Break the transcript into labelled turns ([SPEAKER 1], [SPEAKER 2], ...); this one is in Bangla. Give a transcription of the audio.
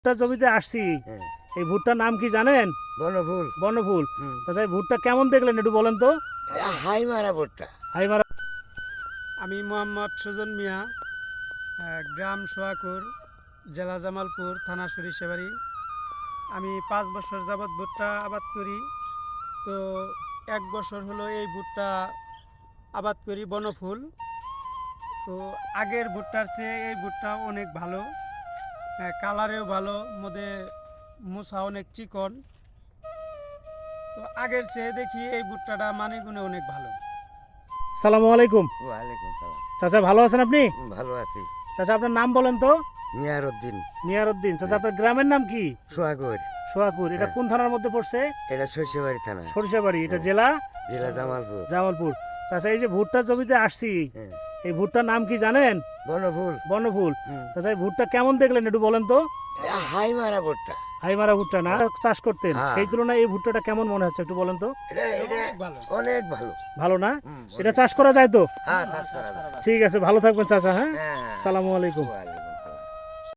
[SPEAKER 1] ভুট্টা জমিতে আসছি,
[SPEAKER 2] হ্যাঁ,
[SPEAKER 1] এই ভুট্টার নাম কি জানেন?
[SPEAKER 2] বনফুল।
[SPEAKER 1] বনফুল।
[SPEAKER 2] হুম।
[SPEAKER 1] চাচা এই ভুট্টা কেমন দেখলেন একটু বলেন তো।
[SPEAKER 2] হাই মারা ভুট্টা।
[SPEAKER 1] হাইমারা।
[SPEAKER 3] আমি মোহাম্মদ সুজন মিয়া, গ্রাম সোয়াকুর, জেলা জামালপুর, থানা সরিষাবাড়ি। আমি 5 বছর যাবৎ ভুট্টা আবাদ করি। তো 1 বছর হলো এই ভুট্টা আবাদ করি বনফুল। তো আগের ভুট্টার চেয়ে এই ভুট্টা অনেক ভালো, কালারেও ভালো, মধ্যে মোছা অনেক চিকন। তো আগের চেয়ে দেখি এই ভুট্টাটা মানে গুণে অনেক ভালো।
[SPEAKER 1] সালামু আলাইকুম।
[SPEAKER 2] ওয়ালাইকুম সালাম।
[SPEAKER 1] চাচা ভালো আছেন আপনি?
[SPEAKER 2] ভালো আছি।
[SPEAKER 1] চাচা আপনার নাম বলেন তো।
[SPEAKER 2] মিয়ার উদ্দিন।
[SPEAKER 1] নিয়ারউদ্দিন। চাচা আপনার গ্রামের নাম কি?
[SPEAKER 2] সোহাগর।
[SPEAKER 1] সোহাগপুর। এটা
[SPEAKER 2] হ্যাঁ।
[SPEAKER 1] কোন থানার মধ্যে পড়ছে?
[SPEAKER 2] এটা শস্যবাড়ি থানা,
[SPEAKER 1] সরিষাবাড়ি। এটা
[SPEAKER 2] হ্যাঁ।
[SPEAKER 1] জেলা
[SPEAKER 2] জেলা জামালপুর।
[SPEAKER 1] জামালপুর। চাচা এই যে ভুট্টা জমিতে আসছি,
[SPEAKER 2] হ্যাঁ,
[SPEAKER 1] এই ভুট্টার নাম কি জানেন?
[SPEAKER 2] বনফুল।
[SPEAKER 1] বনফুল।
[SPEAKER 2] হুম।
[SPEAKER 1] চাচা এই ভুট্টা কেমন দেখলেন একটু বলেন তো।
[SPEAKER 2] হাই মারা ভুট্টা।
[SPEAKER 1] হাইমারা ভুট্টা না চাষ করতেন,
[SPEAKER 2] হ্যাঁ।
[SPEAKER 1] সেই তুলনায় এই ভুট্টাটা কেমন মনে হচ্ছে একটু বলেন তো।
[SPEAKER 2] এটা
[SPEAKER 3] ভালো।
[SPEAKER 2] অনেক ভালো।
[SPEAKER 1] ভালো না?
[SPEAKER 2] হুম,
[SPEAKER 1] এটা চাষ করা যায় তো?
[SPEAKER 2] হ্যাঁ, চাষ করা যায়।
[SPEAKER 1] ঠিক আছে, ভালো থাকবেন চাচা। হ্যাঁ,
[SPEAKER 2] হ্যাঁ, হ্যাঁ।
[SPEAKER 1] সালামু আলাইকুম।
[SPEAKER 2] ওয়ালাইকুম।